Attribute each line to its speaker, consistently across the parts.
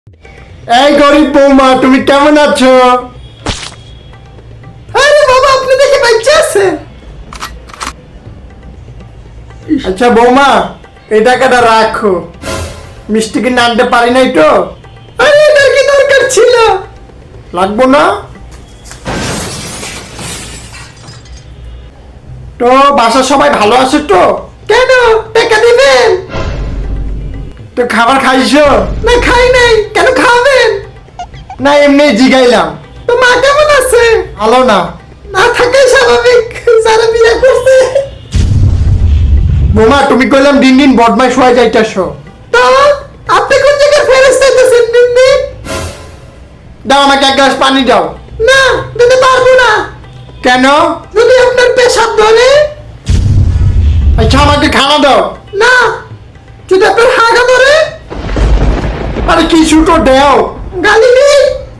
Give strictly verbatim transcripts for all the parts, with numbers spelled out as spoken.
Speaker 1: এই গরিব বৌমা, তুমি কেমন আছো?
Speaker 2: আরে বাবা, আপনি দেখে বাচ্চা আছে।
Speaker 1: আচ্ছা বৌমা, এই টাকাটা রাখো। মিষ্টি কিনে আনতে পারি নাই তো।
Speaker 2: আরে এটার কি দরকার ছিল?
Speaker 1: লাগবো না তো। বাসার সবাই ভালো আছে তো?
Speaker 2: কেন টাকা দিবেন?
Speaker 1: তো খাবার খাইছো?
Speaker 2: না খাই নাই, কেন খাবেন?
Speaker 1: না এমনি জিগাইলাম।
Speaker 2: তো মা কেমন আছে?
Speaker 1: ভালো না।
Speaker 2: না থাকাই স্বাভাবিক, যারা বিয়ে করছে।
Speaker 1: বৌমা তুমি কইলাম দিন দিন বদমাইশ হয়ে যাইতেছো।
Speaker 2: তো আপনি কোন জায়গায় ফেরত চাইতেছেন দিন দিন?
Speaker 1: দাও আমাকে এক গ্লাস পানি দাও।
Speaker 2: না দিতে পারবো না।
Speaker 1: কেন?
Speaker 2: যদি আপনার পেশাব ধরে।
Speaker 1: আচ্ছা আমাকে খানা দাও।
Speaker 2: না যদি আপনার হাগা ধরে।
Speaker 1: আরে কিছু তো দেও।
Speaker 2: গালি নেই।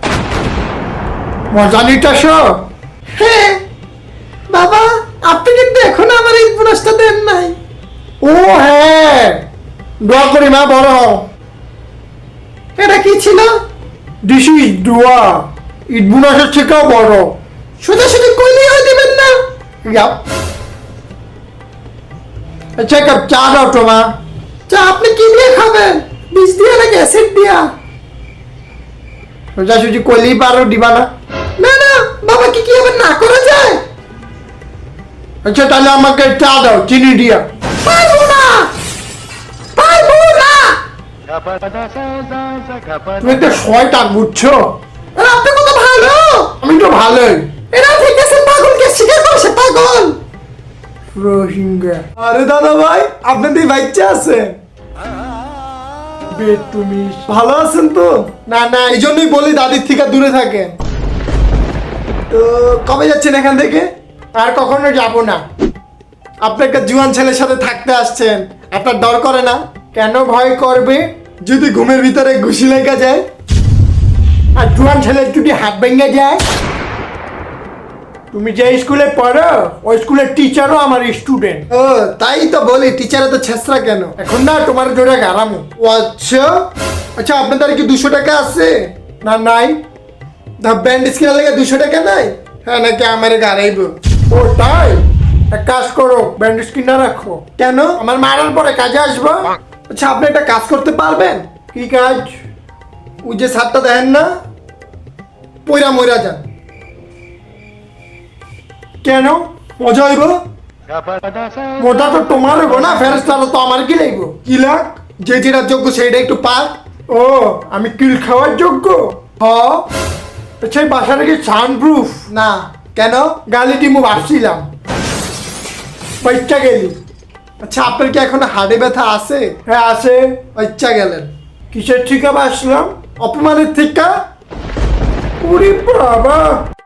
Speaker 1: মজা নিতেছো?
Speaker 2: হ্যাঁ বাবা, আপনি কিন্তু এখন আমার এই পুরস্কার দেন নাই।
Speaker 1: ও হ্যাঁ, দোয়া করি মা বড় হও।
Speaker 2: এটা কি ছিল?
Speaker 1: দিস ইজ দোয়া। ঈদ বোনাসের থেকেও বড়।
Speaker 2: সোজাসুজি কইলেই হয় দিবেন না।
Speaker 1: যাও। আচ্ছা এক কাপ চা দাও তো মা।
Speaker 2: চা আপনি কি দিয়ে খাবেন? বিষ দিয়ে নাকি অ্যাসিড দিয়া?
Speaker 1: সোজাসুজি কইলেই পারো, দিবা না?
Speaker 2: না না বাবা, কি কি আবার না করা যায়?
Speaker 1: আচ্ছা তাহলে আমাকে চা দাও চিনি দিয়া।
Speaker 2: পারবো না, পারবো না।
Speaker 1: তুমি একটা শয়তান বুঝছো?
Speaker 2: আর আপনি কত ভালো।
Speaker 1: আমি তো ভালোই।
Speaker 2: এরা ঠিক আছে, পাগলকে স্বীকার করছে পাগল।
Speaker 1: রোহিঙ্গা
Speaker 2: আরে দাদা ভাই, আপনাদের বাচ্চা আছে?
Speaker 1: বে তুমি
Speaker 2: ভালো আছেন তো?
Speaker 1: না না,
Speaker 2: এই জন্যই বলি দাদির থেকে দূরে থাকেন। তো কবে যাচ্ছেন এখান থেকে?
Speaker 1: আর কখনো যাব না।
Speaker 2: আপনি একটা জুয়ান ছেলের সাথে থাকতে আসছেন, আপনার ডর করে না?
Speaker 1: কেন ভয় করবে?
Speaker 2: যদি ঘুমের ভিতরে ঘুষি লেগে যায়?
Speaker 1: আর জুয়ান ছেলের যদি হাত ভেঙে যায়? তুমি যে স্কুলে পড়ো ওই স্কুলের টিচারও আমার স্টুডেন্ট।
Speaker 2: ও তাই তো বলি, টিচারে তো ছেঁচড়া কেন?
Speaker 1: এখন না তোমার জোরে গারামো।
Speaker 2: ও আচ্ছা আচ্ছা, আপনাদের কি দুশো টাকা আছে?
Speaker 1: না নাই।
Speaker 2: ব্যান্ডেজ কেনার লেগে দুশো টাকা নাই?
Speaker 1: হ্যাঁ নাকি আমার গাড়াইব? ও তাই, এক কাজ করো ব্যান্ডেজ কিনা রাখো।
Speaker 2: কেন?
Speaker 1: আমার মারার পরে কাজে আসবো।
Speaker 2: আচ্ছা আপনি একটা কাজ করতে পারবেন?
Speaker 1: কি কাজ?
Speaker 2: ওই যে ছাদটা দেখেন না, পয়রা ময়রা যান।
Speaker 1: কেন?
Speaker 2: মজা হইব।
Speaker 1: মোটা তো তোমার হইব না, ফেরেস্তারা তো আমার কি লাগবো?
Speaker 2: কি লাগ? যে যেটা যোগ্য সেইটা একটু পাক।
Speaker 1: ও আমি কিল খাওয়ার যোগ্য?
Speaker 2: হ।
Speaker 1: আচ্ছা এই বাসাটা কি সাউন্ড প্রুফ?
Speaker 2: না। কেন?
Speaker 1: গালি টিমু ভাবছিলাম, বাচ্চা গেলি।
Speaker 2: আচ্ছা আপনার কি এখন হাড়ে ব্যথা আছে?
Speaker 1: হ্যাঁ আছে।
Speaker 2: বাচ্চা গেলেন
Speaker 1: কিসের ঠিকা বাসলাম?
Speaker 2: অপমানের থেকে।
Speaker 1: ওরে বাবা।